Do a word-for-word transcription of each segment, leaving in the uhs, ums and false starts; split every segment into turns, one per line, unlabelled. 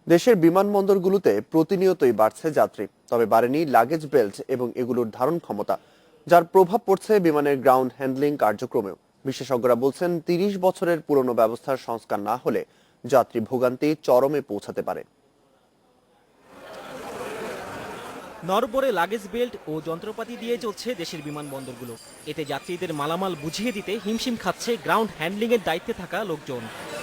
দেশের বিমানবন্দরগুলোতে প্রতিনিয়তই বাড়ছে যাত্রী, তবে বাড়েনি লাগেজ বেল্ট এবং এগুলোর ধারণ ক্ষমতা, যার প্রভাব পড়ছে বিমানের গ্রাউন্ড হ্যান্ডলিং কার্যক্রমেও। বিশেষজ্ঞরা বলছেন, তিরিশ বছরের পুরনো ব্যবস্থার সংস্কার না হলে যাত্রী ভোগান্তি চরমে পৌঁছাতে পারে।
নরবরে লাগেজ বেল্ট ও যন্ত্রপাতি দিয়ে চলছে দেশের বিমানবন্দরগুলো। এতে যাত্রীদের মালামাল বুঝিয়ে দিতে হিমশিম খাচ্ছে গ্রাউন্ড হ্যান্ডলিংয়ের দায়িত্বে থাকা লোকজন।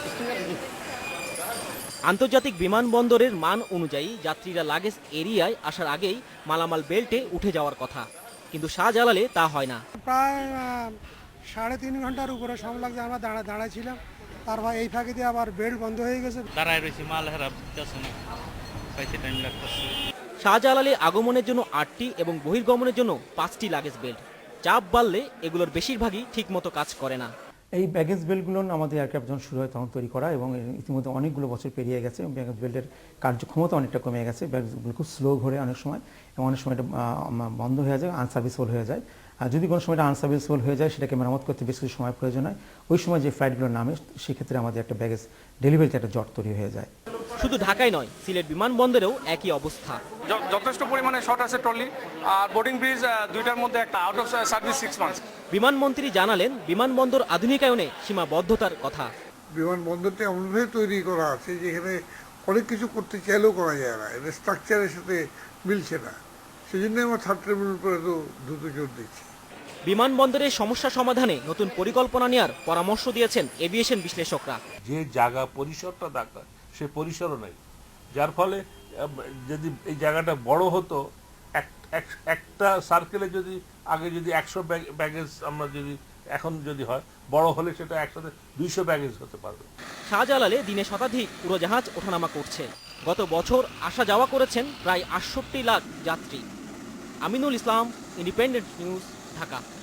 আন্তর্জাতিক বিমানবন্দরের মান অনুযায়ী যাত্রীরা লাগেজ এরিয়ায় আসার আগেই মালামাল বেল্টে উঠে যাওয়ার কথা, কিন্তু শাহজালালে তা হয় না।
প্রায় সাড়ে তিন ঘন্টার উপরে সময় লাগছে, আমরা দাঁড়া দাঁড়াইছিলাম। তারপর এই ফাঁকে দিয়ে আবার বেল্ট বন্ধ হয়ে গেছে।
দাঁড়ায় রয়েছি, মাল হেরা পাইতে টাইম লাগতেছে।
শাহজালালে আগমনের জন্য আটটি এবং বহির্গমনের জন্য পাঁচটি লাগেজ বেল্ট। চাপ বাড়লে এগুলোর বেশিরভাগই ঠিকমতো কাজ করে না।
এই ব্যাগেজ বেল্টগুলো আমাদের এয়ারক্রাফট যখন শুরু হয় তখন তৈরি করা, এবং ইতিমধ্যে অনেকগুলো বছর পেরিয়ে গেছে এবং ব্যাগেজ বেল্টের কার্যক্ষমতা অনেকটা কমে গেছে। ব্যাগগুলো খুব স্লো ঘোরে অনেক সময়, এবং অনেক সময় এটা বন্ধ হয়ে যায়, আনসার্ভিসেবল হয়ে যায়। আর যদি কোনো সময় এটা আনসার্ভিসেবল হয়ে যায়, সেটাকে মেরামত করতে বেশ কিছু সময় প্রয়োজন হয়। ওই সময় যে ফ্লাইটগুলো নামে, সেক্ষেত্রে আমাদের একটা ব্যাগেজ ডেলিভারিতে একটা জট তৈরি হয়ে যায়।
শুধু ঢাকায় নয়, সিলেট বিমানবন্দরেও একই অবস্থা।
যথেষ্ট পরিমাণে শর্ট আছে ট্রলি, আর বোর্ডিং ব্রিজ দুইটার মধ্যে একটা out of service six months.
বিমানমন্ত্রী জানালেন, বিমানবন্দর আধুনিকায়নে সীমাবদ্ধতার কথা।
বিমানবন্দরটা এমনভাবে তৈরি করা আছে যেখানে অনেক কিছু করতে চাইলেও করা যায় না, এটা স্ট্রাকচারের সাথে মিলছে না। সেই জন্য আমরা থার্ড টার্মিনাল উপরে তো দ্রুত জোর দিচ্ছি।
বিমানবন্দরের সমস্যা সমাধানে নতুন পরিকল্পনা নেওয়ার পরামর্শ দিয়েছেন এভিয়েশন বিশ্লেষকরা।
যে জায়গা পরিসরটা দরকার সে পরিসরও নেই, যার ফলে যদি এই জায়গাটা বড় হতো, একটা সার্কেলে যদি আগে যদি একশো ব্যাগেজ আমরা যদি এখন যদি হয়, বড় হলে সেটা একসাথে দুইশো ব্যাগেজ হতে পারবে।
শাহজালালে দিনে শতাধিক উড়োজাহাজ ওঠানামা করছে। গত বছর আসা যাওয়া করেছেন প্রায় আটষট্টি লাখ যাত্রী। Aminul Islam, independent news, Dhaka.